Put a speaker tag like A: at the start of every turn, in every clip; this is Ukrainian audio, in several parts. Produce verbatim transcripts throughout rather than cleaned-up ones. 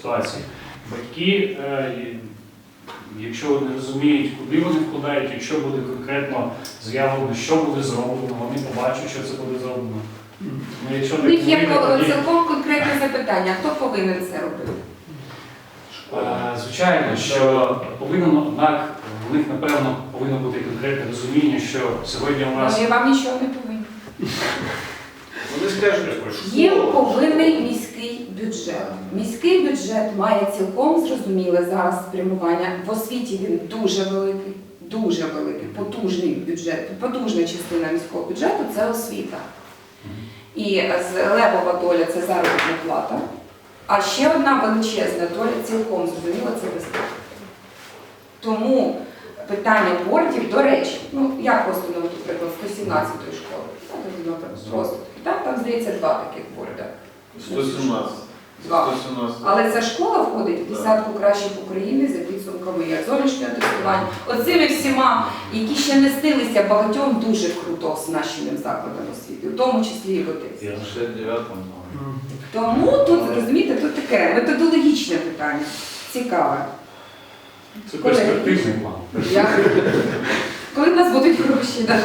A: ситуації. Батьки, е, якщо вони розуміють, куди вони вкладають, якщо буде конкретно заявлено, що буде зроблено, вони побачать, що це буде зроблено. Ну, якщо
B: У них є
A: вийде, тоді-
B: цілком конкретне запитання, хто повинен це робити?
A: Е, Звичайно, що повинно, однак, в них, напевно, повинно бути конкретне розуміння, що сьогодні у нас...
B: Ну, я вам нічого не повинна.
C: Вони скажуть, що
B: Є повинний міський бюджет. Міський бюджет має цілком зрозуміле зараз спрямування. В освіті він дуже великий, дуже великий, потужний бюджет, потужна частина міського бюджету – це освіта. І левова доля – це заробітна плата. А ще одна величезна доля, цілком зрозуміла, це безпека. Тому питання бордів, до речі, ну я просто наведу приклад сто сімнадцятої школи. Просто так, там, здається, два таких борда.
C: сто сімнадцять.
B: Два.
C: сто сімнадцять.
B: Але ця школа входить в десятку кращих України за підсумками як зовнішнього тестування. Оцими всіма, які ще не стилися багатьом дуже круто оснащеним закладом освіти, в тому числі і Готицький.
C: шістдесят дев'ятому.
B: Тому тут, розумієте, тут таке методологічне питання, цікаве.
A: Це перспективний план.
B: Я... Коли в нас будуть гроші, так?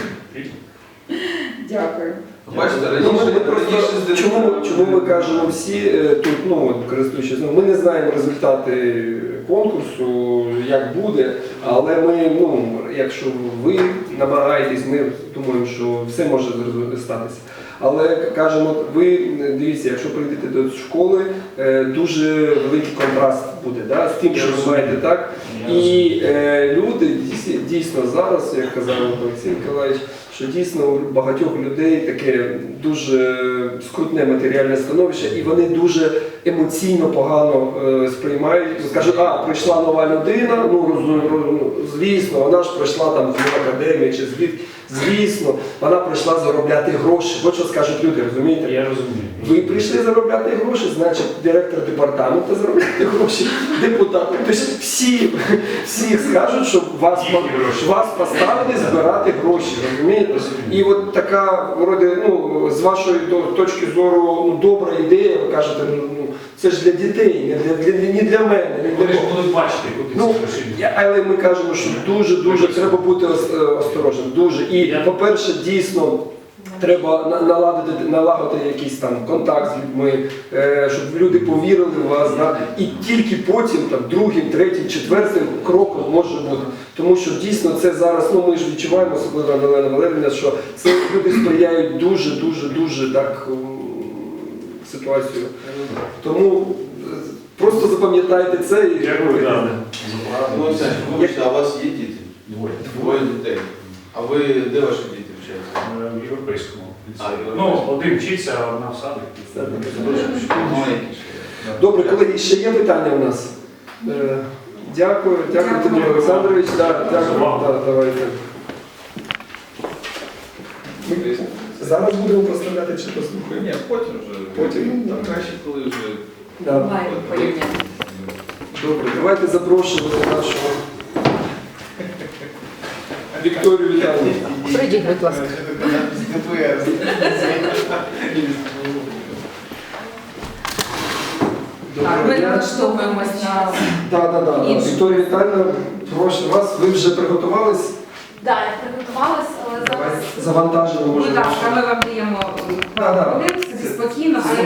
B: Дякую.
C: Бачите,
D: Ну, ми
C: раніше,
D: просто,
C: раніше
D: чому, чому ми кажемо всі е, тут, ну, от, користуючись, ну, ми не знаємо результати конкурсу, як буде, але ми, ну, якщо ви намагаєтесь, ми думаємо, що все може статися. Але кажемо, ви дивіться, якщо прийдете до школи, е, дуже великий контраст буде, да, з тим, що ви маєте, так? І е, люди дійсно, дійсно зараз, як казав Олексій Миколаївич, що дійсно у багатьох людей таке дуже скрутне матеріальне становище, і вони дуже емоційно погано е, сприймають. Скажуть, а, прийшла нова людина, ну, роз, роз, звісно, вона ж прийшла там з академії чи звідки, звісно, вона прийшла заробляти гроші. От що скажуть люди, розумієте?
A: Я розумію.
D: Ви прийшли заробляти гроші, значить директор департаменту заробляти гроші, депутати. Тобто всі, всі скажуть, що вас, що вас поставили збирати гроші, розумієте? І от така, вроде, ну, з вашої точки зору, ну, добра ідея, ви кажете, ну, це ж для дітей, не для, для, не для мене. Не для
A: Вони ж
D: кого.
A: будуть бачити, куди
D: Ну,
A: ці гроші йдуть.
D: але ми кажемо, що дуже-дуже треба бути ос- осторожним. Дуже. І,
A: Я-
D: по-перше, дійсно, треба на- наладити, налагодити якийсь там контакт з людьми, е, щоб люди повірили в вас. Да? І тільки потім, там, другим, третім, четвертим кроком може бути. Тому що дійсно це зараз, ну ми ж відчуваємо, особливо Олена Валерівна, що це люди сприяють дуже-дуже-дуже так м, ситуацію. Тому е, просто запам'ятайте це і
A: Дякую, да.
C: Ну, Олександр, вибачте, а у вас є діти? Двоє. Двоє дітей. А ви, де ваші діти вчаться?
A: Е, В європейському ліцеї.
C: А,
A: Ну,
C: європейському.
A: один вчиться, а одна в садик.
C: Маленькі ще.
D: Добре, колеги, ще є питання у нас? Е, Дякую, дякую,
B: Дякую.
D: Тимур Олександрович. Да, дякую. Да, давайте. Ми зараз будемо проставляти чи послухаємо?
C: Ні, потім вже.
D: Потім.
C: Там краще, коли вже.
D: Да.
B: Онлайн порівняно.
D: Добре, давайте запрошуємо нашого Вікторію Віталіївну.
E: Прийдіть, будь ласка.
B: Так, ми налаштовуємось на...
D: Так, так, так.
B: Іншу.
D: Вікторія Віталіївна, прошу вас, ви вже приготувались?
F: Так, я приготувалась, але зараз
D: Завантажено, може.
B: Будь ласка, ми вам даємо
D: Да, да.
B: хвилин, собі спокійно, але